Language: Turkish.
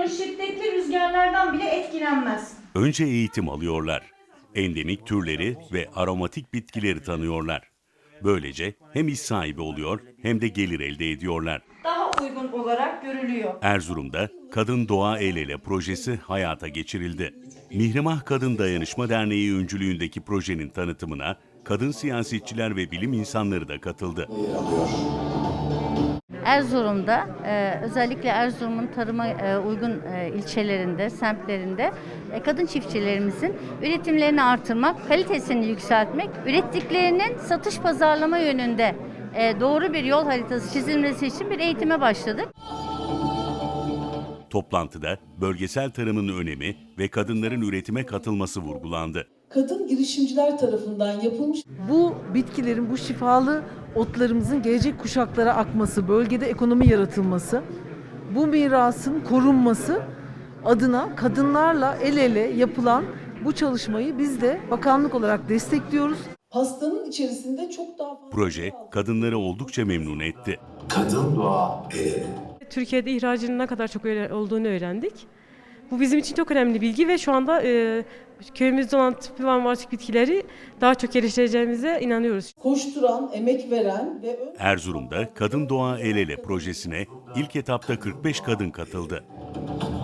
Kadın şiddetli rüzgarlardan bile etkilenmez. Önce eğitim alıyorlar. Endemik türleri ve aromatik bitkileri tanıyorlar. Böylece hem iş sahibi oluyor hem de gelir elde ediyorlar. Daha uygun olarak görülüyor. Erzurum'da Kadın Doğa El Ele projesi hayata geçirildi. Mihrimah Kadın Dayanışma Derneği öncülüğündeki projenin tanıtımına kadın siyasetçiler ve bilim insanları da katıldı. Erzurum'da özellikle Erzurum'un tarıma uygun ilçelerinde, semtlerinde kadın çiftçilerimizin üretimlerini artırmak, kalitesini yükseltmek, ürettiklerinin satış pazarlama yönünde doğru bir yol haritası çizilmesi için bir eğitime başladık. Toplantıda bölgesel tarımın önemi ve kadınların üretime katılması vurgulandı. Kadın girişimciler tarafından yapılmış. Bu bitkilerin, bu şifalı otlarımızın gelecek kuşaklara akması, bölgede ekonomi yaratılması, bu mirasın korunması adına kadınlarla el ele yapılan bu çalışmayı biz de bakanlık olarak destekliyoruz. Pastanın içerisinde çok daha fazla... Proje kadınları oldukça memnun etti. Kadın doğa el ele. Türkiye'de ihracının ne kadar çok olduğunu öğrendik. Bu bizim için çok önemli bilgi ve şu anda köyümüzde olan tıbbi ve aromatik bitkileri daha çok geliştireceğimize inanıyoruz. Koşturan, emek veren ve... Erzurum'da Kadın Doğa El Ele projesine ilk etapta 45 kadın katıldı.